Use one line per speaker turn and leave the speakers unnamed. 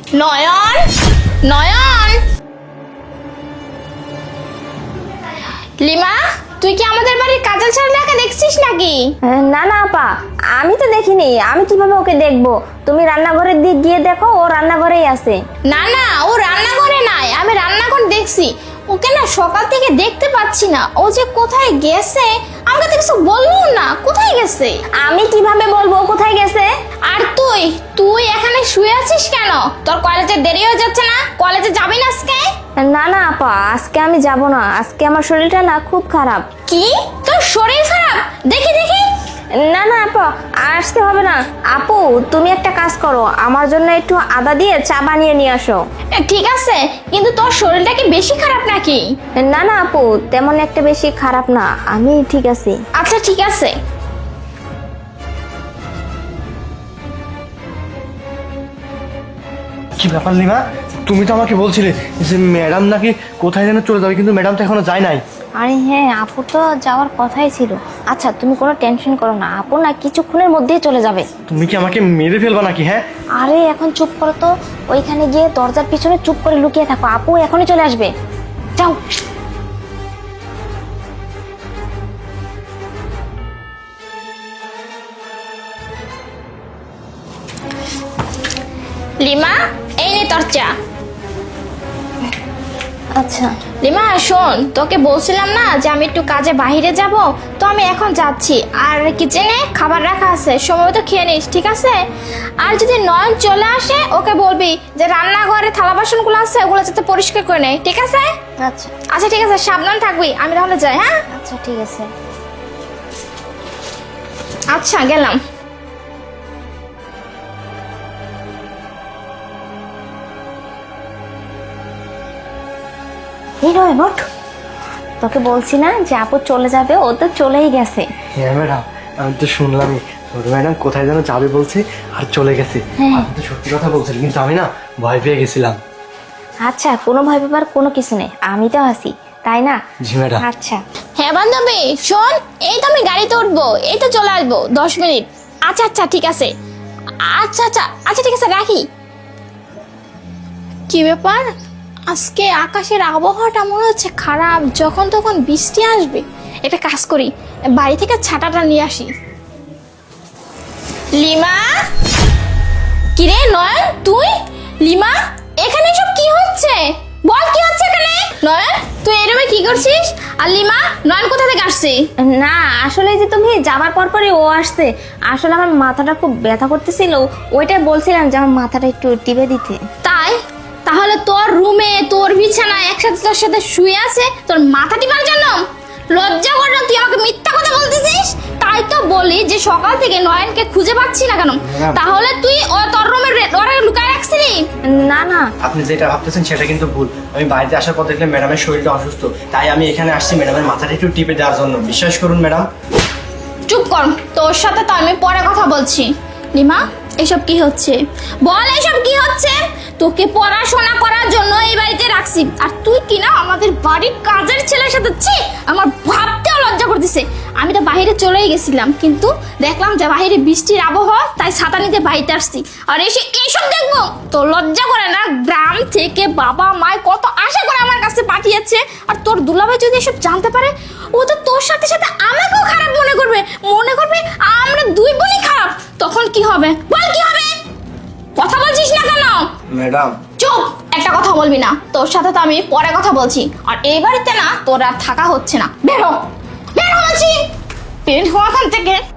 নয়ন, নয়ন, lima, তুই কি আমাদের বাড়ির কাজল ছাড়াকে দেখছিস নাকি?
না না আপা, আমি তো দেখিনি। আমি কিভাবে ওকে দেখবো? তুমি রান্নাঘরের দিক গিয়ে দেখো, ও রান্নাঘরেই আছে।
না না, ও রান্নাঘরে নাই, আমি রান্নাঘর দেখছি। ওকে না সকাল থেকে দেখতে পাচ্ছি না। ও যে কোথায় গেছে আমাকে তো কিছু বললো না। কোথায় গেছে?
আমি কিভাবে বলবো কোথায় গেছে?
আর তুই তুই এখানে শুয়ে আছিস কেন? তোর কলেজে দেরি হয়ে যাচ্ছে না? কলেজে যাবি না আজকে?
না না আপা, আজকে আমি যাব না। আজকে আমার শরীরটা না খুব খারাপ।
কি, তোর শরীর খারাপ? দেখি দেখি।
না না আপা, আসতে হবে না। আপু, তুমি একটা কাজ করো, আমার জন্য একটু আদা দিয়ে চা বানিয়ে নিয়ে আসো।
ঠিক আছে, কিন্তু তোর শরীরটা কি বেশি খারাপ নাকি?
না না আপু, তেমন একটা বেশি খারাপ না, আমি ঠিক আছি।
আচ্ছা ঠিক আছে।
কি ব্যাপার লিমা, তুমি তো আমাকে বলছিলে যে ম্যাডাম নাকি কোথায় যেন চলে যাবে, কিন্তু ম্যাডাম তো এখনো যায় নাই।
আরে হ্যাঁ, আপু তো যাওয়ার কথাই ছিল। আচ্ছা তুমি কোনো টেনশন করো না, আপু না কিছুক্ষণের মধ্যেই চলে যাবে।
তুমি কি আমাকে মেরে ফেলবা নাকি? হ্যাঁ,
আরে এখন চুপ করো তো, ওইখানে গিয়ে দরজার পিছনে চুপ করে লুকিয়ে থাকো, আপু এখনই চলে আসবে। যাও।
লিমা, এই নে তোর চা।
আচ্ছা
লিমা শোন, তোকে বলছিলাম না যে আমি একটু কাজে বাইরে যাব, তো আমি এখন যাচ্ছি। আর কিচেনে খাবার রাখা আছে, সময় মতো খেয়ে নিস, ঠিক আছে? আর যদি নয়ন চলে আসে ওকে বলবি যে রান্নাঘরে থালা বাসনগুলো আছে ওগুলো যাতে পরিষ্কার করে নেয়, ঠিক আছে?
আচ্ছা
আচ্ছা ঠিক আছে, সাবধান থাকবি। আমি তাহলে যাই। হ্যাঁ
আচ্ছা ঠিক আছে।
আচ্ছা, গেলাম।
এই নয় নোট, তোকে বলছি না যে আপু চলে যাবে, ও তো চলেই গেছে।
হ্যাঁ ম্যাডাম, আমি তো শুনলামই ছোট ম্যাডাম কোথায় যেন যাবে বলছে আর চলে গেছে। আপনি তো সত্যি কথা বলছেন, কিন্তু আমি না ভয় পেয়ে গেছিলাম।
আচ্ছা, কোনো ভয় পাবার কোনো কিছু নেই, আমি তো আছি, তাই না?
জি ম্যাডাম।
আচ্ছা
হ্যাঁ বান্ধবী শোন, এই তো আমি গাড়িতে উঠবো, এই তো চলে আসবো 10 মিনিট। আচ্ছা আচ্ছা ঠিক আছে। আচ্ছা আচ্ছা আচ্ছা ঠিক আছে, রাখি। কি ব্যাপার, আজকে আকাশের আবহাওয়াটা মনে হচ্ছে খারাপ, যখন তখন বৃষ্টি আসবে। একটা কাজ করি, বাড়ি থেকে ছাতাটা নিয়ে আসি। লিমা, কিরে নয়ন তুই? লিমা, এখানে সব কি হচ্ছে? বল কি হচ্ছে এখানে? নয়ন, তুই এরমে কি করছিস? আর লিমা, নয়ন কোথা থেকে আসছে?
না, আসলে যে তুমি যাবার পরপরই ও আসছে। আসলে আমার মাথাটা খুব ব্যথা করতেছিল, ওইটাই বলছিলাম যে আমার মাথাটা একটু টিপে দিতে।
তাই? তাহলে তোর রুমে তোর বিছানায় একসাথে তোর সাথে শুয়ে আছে তোর মাথা টিপার জন্য? লজ্জা করে না? তুই আমাকে মিথ্যা কথা বলতেছিস। তাই তো বলি যে সকাল থেকে নয়নকে খুঁজে পাচ্ছি না কেন। তাহলে তুই তোর রুমের ওরা লুকায় রাখছিলি?
না না,
আপনি যেটা ভাবতেছেন সেটা কিন্তু ভুল। আমি বাড়িতে আসার পর দেখলে ম্যাডামের শরীরটা অসুস্থ, তাই আমি এখানে আসছি ম্যাডামের মাথাটা একটু টিপে দেওয়ার জন্য। বিশ্বাস করুন ম্যাডাম।
চুপ কর, তোর সাথে তো আমি পরে কথা বলছি। লিমা, এসব কি হচ্ছে? বল এসব কি হচ্ছে? তোকে পড়াশোনা করার জন্য এই বাড়িতে রাখছি, আর তুই কি না আমাদের বাড়ির কাজের ছেলের সাথে? ছি, আমার ভাবতেও লজ্জা করতেছে। আমি তো বাইরে চলেই গেছিলাম, কিন্তু দেখলাম যে বাইরে বৃষ্টির আবহাওয়া, তাই ছাতা নিতে বাড়িতে আসছি। আর এসে এইসব দেখবো? তোর লজ্জা করে না? গ্রাম থেকে বাবা মায় কত আশা করে আমার কাছে পাঠিয়েছে, আর তোর দুলাভাই যদি এসব জানতে পারে, ও তো তোর সাথে সাথে আমাকেও খারাপ মনে করবে। মনে করবে আমরা দুই বোনই খারাপ। তখন কি হবে বল, কি হবে? কথা বলছিস না কেন?
ম্যাডাম
চুপ, একটা কথা বলবি না। তোর সাথে তো আমি পরে কথা বলছি। আর এই বাড়িতে না তোর আর থাকা হচ্ছে না। বের হ, বের হ বলছি, বের হ এখান থেকে।